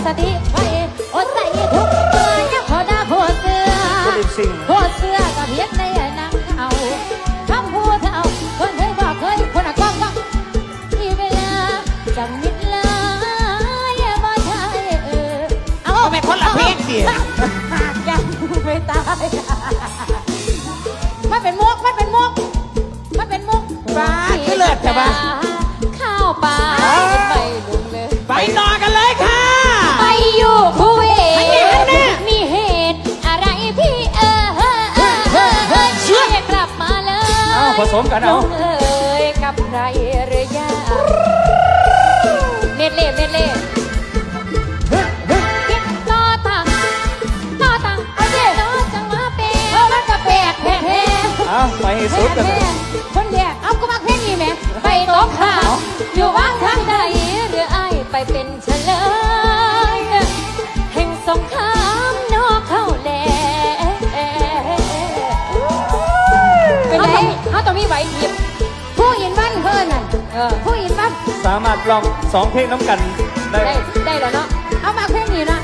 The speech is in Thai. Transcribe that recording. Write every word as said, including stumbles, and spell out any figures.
ติไว้อดใส่ทุกเมื่อยังพอได้โคเสื้อโคเสื้อกับเพียรในนังเอาคำพูดเอาคนเคยบอกเคยคนอ่ะก้องก้องที่เวลาจำมิดลายบ่ใช่เออเอาไม่คนละเพลงสิยังไม่ตายมันเป็นมุกมันเป็นมุกมันเป็นมุกบ้าคือเลิศแต่บ้าข้าวปลาไม่ลุงเลยไปต่อกันเลยค่ะไปอยู่คุเวตมีเหตุอะไรพี่เออเฮ้เออเฮ้เชื่อกลับมาเลยเอาผสมกันเอาเอ้ยกับไรเรือยาเม็ดเล่เม็ดเล่คิดต่อตังต่อตังเอาเจ๊ต่อจังมาเป็นเอามันก็แปลกแท้เอาไปสุดกันคนเดียวเอาก็มาเพลงนี้แม่ไปตกข่าวอยู่ว่างทางใดหรือไอไปเป็นเฉลยแห่งสงครามนอกเข้าแลเป็นไงเขาต้องมีไหวหยิบผู้ยินบ้านเพิ่นน่ะผู้ยินบ้านสามารถลองสองเพลงน้ำกันได้ได้ได้แล้วเนาะเอามาเพลงนี้นะ